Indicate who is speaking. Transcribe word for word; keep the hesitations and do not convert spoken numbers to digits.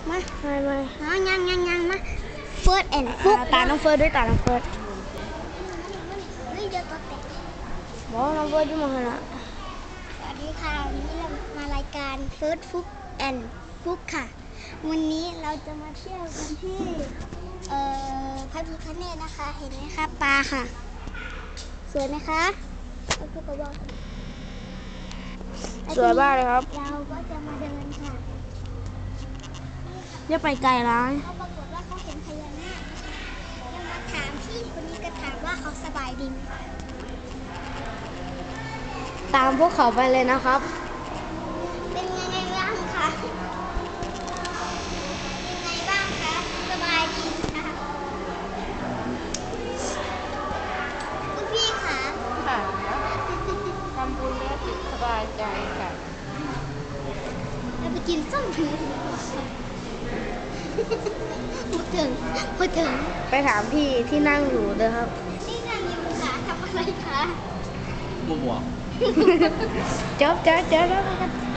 Speaker 1: มา
Speaker 2: ไม่ไม่
Speaker 1: เอายังยังยังมาเฟิร์สแอนด์ฟุก
Speaker 2: ตาน้องเฟิร์สด้วยตาน้องเฟิร์ส
Speaker 1: เฮ้ยเดี๋ยวตัวแตก
Speaker 2: บอกน้องเฟิร์สที่มาขนาด
Speaker 1: สวัสดีค่ะวันนี้เรามารายการเฟิร์สฟุกแอนด์ฟุกค่ะวันนี้เราจะมาเที่ยวกันที่เอ่อพระพิฆเนศนะคะเห็นไหมคะปลาค่ะสวยไหมคะเอาพูดกับบอก
Speaker 2: สวยมากเลยครับ
Speaker 1: เราก็จะมาเดินค่ะ
Speaker 2: อย่าไปไกลร้าน
Speaker 1: เขาปรากฏว่าเขาเห็นพญานาคยังมาถามพี่คนนี้ก็ถามว่าเขาสบายดีไหม
Speaker 2: ตามพวกเขาไปเลยนะครับ
Speaker 1: เป็นยังไงบ้างคะยังไงบ้างคะสบายดีค่ะคุณพี่คะ
Speaker 2: ค่ะทำบุญแล้วจิตสบายใจค่ะ
Speaker 1: เราไปกินส้มถึงพูดถึงพูดถึง
Speaker 2: ไปถามพี่ที่นั่งอยู่เด้อครับ
Speaker 1: นี่นางอยู่ค่ะทำอะไรคะ
Speaker 3: บัวบัว
Speaker 2: เจ๊บเจ๊บเจ๊บแล้วกัน